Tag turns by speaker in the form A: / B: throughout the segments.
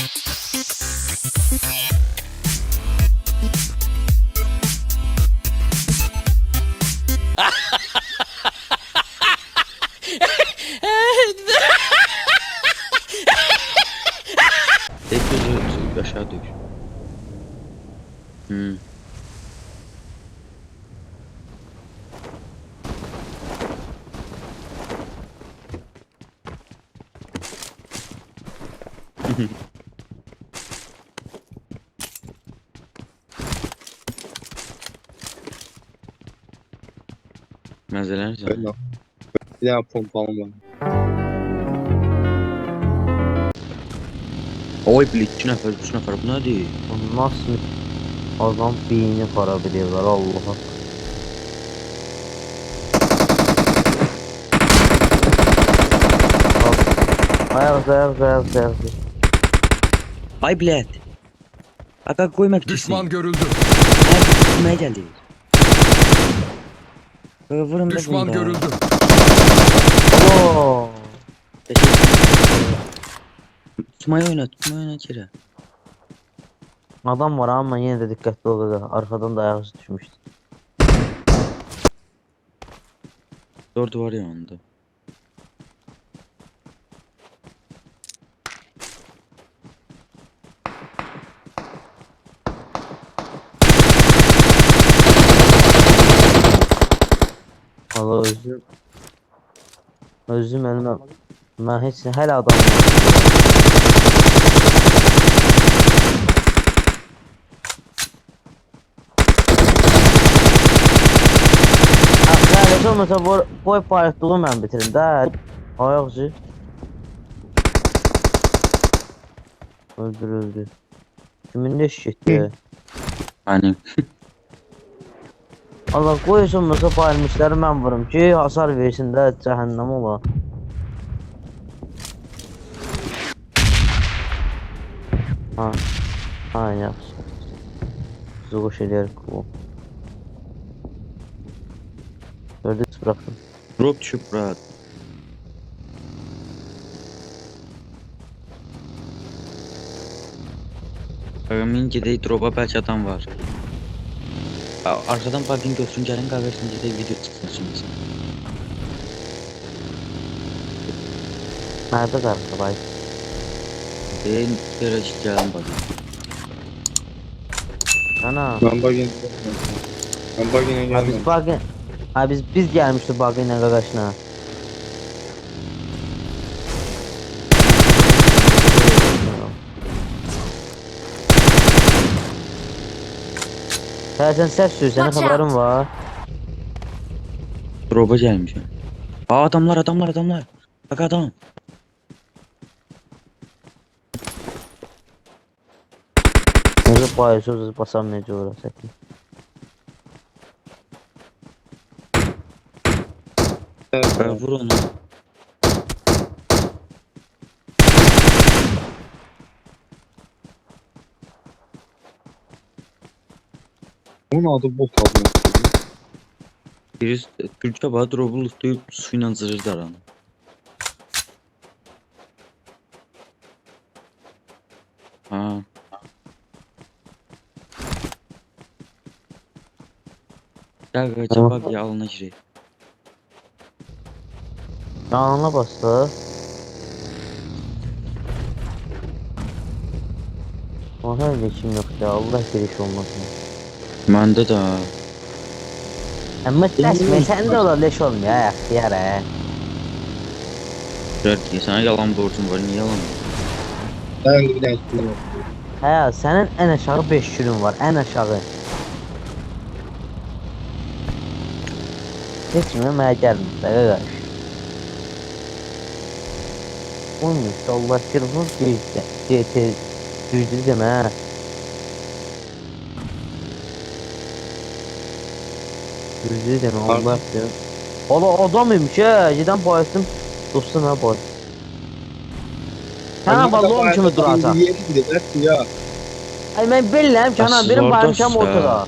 A: Tek gözü aşağı düş. Mezeler canım.
B: Öyle. Bir daha pompalım var.
A: Oy bilik 3 nefer 3 nefer bu ne değil?
C: Nasıl adam beyni xarab ediyorlar Allah'a. Ayak.
A: Ay bilet. Aka koymak için.
D: Düşman görüldü.
A: Nereye geldi? Vurun da
D: Düşman
A: bunda.
D: görüldü.
C: Oo.
A: Tutmayı oynat kere.
C: Adam var ama yine de dikkatli ol. Arkadan da ayak düşmüştü.
A: Dört var ya onda.
C: Allah özüm elime. Ben hiç hala adam var. Kardeş olmasa boy paylaştığımı ben bitirim de. Ayakçı. Öldürüldü. Kimin de şişti?
A: Hani
C: Allah koysun olmasa paylaşmışları ben vurum ki hasar versin de cehennem ola. Ha yaxşı. Zuğuş edərik bu. Gördünüz bıraktım.
A: drop düşüp rahat. Min gedək drop'a belki adam var. Arkadan parking götürün gelin kahvesini gedək video çıksın şimdi.
C: Nerede karşı bay?
A: Ben bir gelin bakayım.
C: Ana.
B: Ben bugün
C: Ha biz bugün. Ha biz gelmiştik bugün arkadaşına. Sen ses sür, senin haberin var.
A: Drop'a gelmişim. Aa adamlar. Bak adam.
C: Nasıl paylaşıyoruz basamayacağız orası.
A: Vur onu.
B: onun adı bot almak istedim.
A: Birisi Türkçe bana drop'u lootlayıp suyla zırhlar onu. Ha. Gel kaça bak ya alına gireyim.
C: Yanına bastı. Ona geçim yok ya, Allah giriş olmasın.
A: Məndə də.
C: Ama təsmə sən də ola leş olmuyor ya, xiyar he.
A: Ki sana yalan borcum var, niye yalan?
B: Ben bir daha istiyorum.
C: Hə, sənin ən aşağı 5 günün var, ən aşağı. Heç kimə mənə gəlmir, qardaş. Olmuş, Allah kirvur GT düzdür demə. Düzdür demə, Allah bilir. Ola adam imiş ha, gedən bayasdım. Dostum ha boy. Sana balon kimi duracaq.
B: Yeri gidiyor ya.
C: Ay mən bilirəm ki, anam benim baymışam ortada.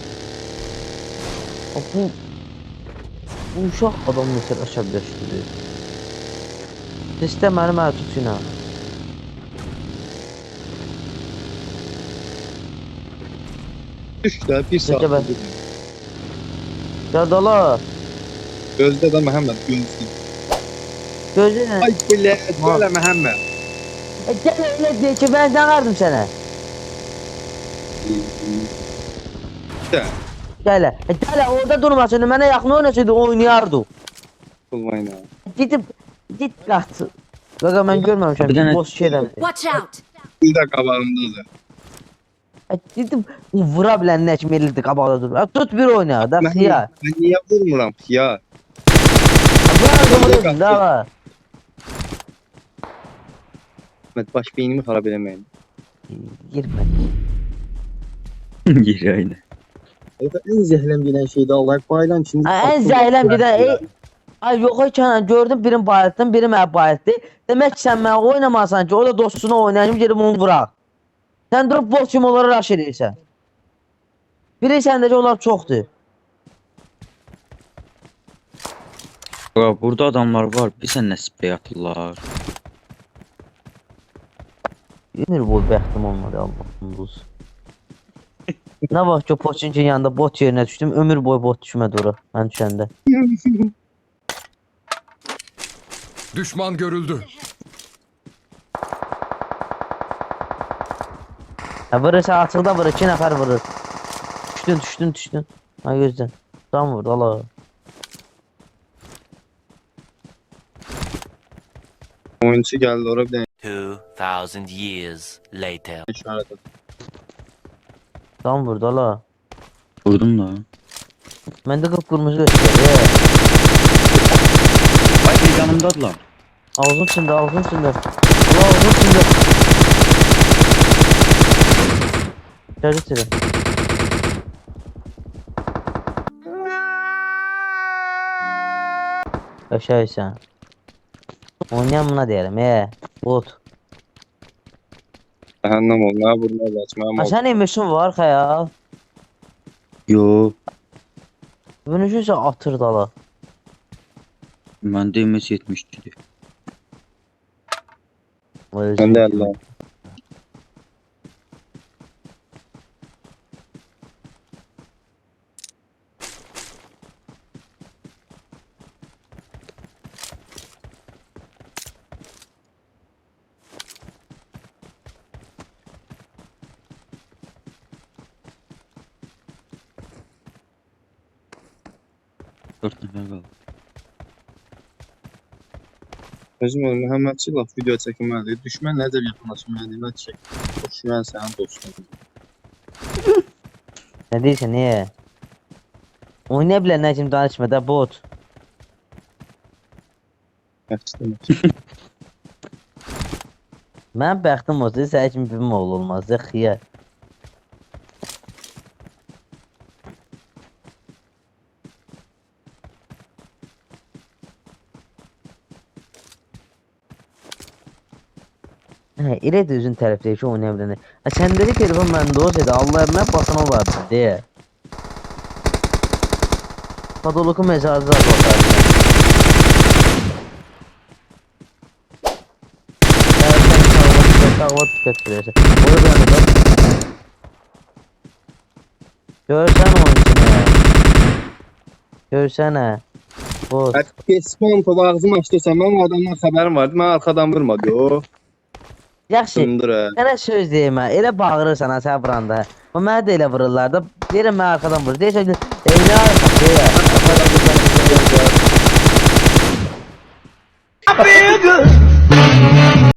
C: Bu uşaq adam necə əsəbləşdirir. Sistem mənim tutuna.
B: Düş də bir saat.
C: Necə bə? Yadala.
B: Gözdə də Məhəmməd gözdə.
C: Gözünə.
B: Ay bilə, belə Məhəmməd.
C: Gel öyle diye ki ben danardım sana.
B: Də,
C: Gel. Gel orada durmasın. Mənə yaxın oynasaydı oynayardı.
B: bulmayın ha.
C: Git qaç. Qaqa mən görməmişəm.
A: Bir dənə-
C: Boş şeydən.
D: Watch out!
B: Bir də qabağımdadır.
C: Gidip vura bilən nə kimi elirdi qabaqda dur. Tut bir oyna da xiyar.
B: Mən niyə vurmuram ki ya?
C: Bura vuruyorsun da.
B: Məhəmməd baş beynimi xarab eləməyin.
C: Girmə.
A: Yeri aynı.
B: En zəhləm gedən şey də Allah baylan içində.
C: En zəhləm gedən ay yox ay Kənan gördüm birin bayıltdım, biri mənə bayıltdı. Demək ki sən mənə oynamasan ki, o da dostuna oynayacaq gedib onu vuraq. Sən durub bot kimi onları rush edirsən. Biri səndəki onlar çoxdur.
A: Bak burada adamlar var. Bir sen ne sprey atırlar.
C: Ömür boyu bəxtim olmadı Allah'ım dost. Nə vaxt ki o Poçinkin yanında bot yerinə düşdüm, ömür boyu bot düşmədi ora mən düşəndə.
E: Düşman görüldü.
C: Vurursa açıqda vurur, 2 nəfər vurur. Düşdün. Ha gözdən. Tam vurdu Allah.
B: Oyunçu gəldi ora bir dənə
F: 2,000 years later.
B: işarət etdi.
C: Tam vurdu Allah.
A: Vurdum da.
C: Məndə qıpqırmızı göstərir.
A: Ay bir yanımdadılar.
C: Ağzın içində. Allah ağzın içində. Gəlir içeri. Yaşayırsan. Oynayan buna deyərəm, bot.
B: Cəhənnəm ol, nə vurma açmam
C: Ha
B: ol.
C: sən emişin var xəyal.
A: Yo.
C: Bunu üçün atır dala.
A: Bende MS 72'di.
B: Mən də Allah.
A: Dört nefer kaldı.
B: Özüm ol, Məhəmmədçi laf video çəkməlidir. Düşmən nədir yaxınlaşmalıdır, mən çək. Düşmən sənin dostun.
C: Nə deyirsən, niyə? Oynaya bilən nə kimi danışma da bot.
B: Yaxşıdır.
C: Mən bəxtim olsa sən kimi bir oğul olmazdı xiyar. Elə də özün tərəfdəki ki oynaya biləni. Səndəki telefon məndə olsaydı Allah mən basana olardı deyə. Padoloku mezarı zar bakardı. Sağlat dikkat verirse. Orada bir anda görsen onun içine. Görsene. Bot.
B: Spam topu ağzımı açdırsan, mən o adamdan xəbərim vardı, mən arxadan vurmadı o.
C: Yaxşı.
B: Sındır hə.
C: Sənə söz deyim ha. Elə bağırırsan ha sən vuranda. O mənə də elə vururlar da. Deyirəm mən arxadan vurur. Deyirsən ki, evlə arxadan deyir.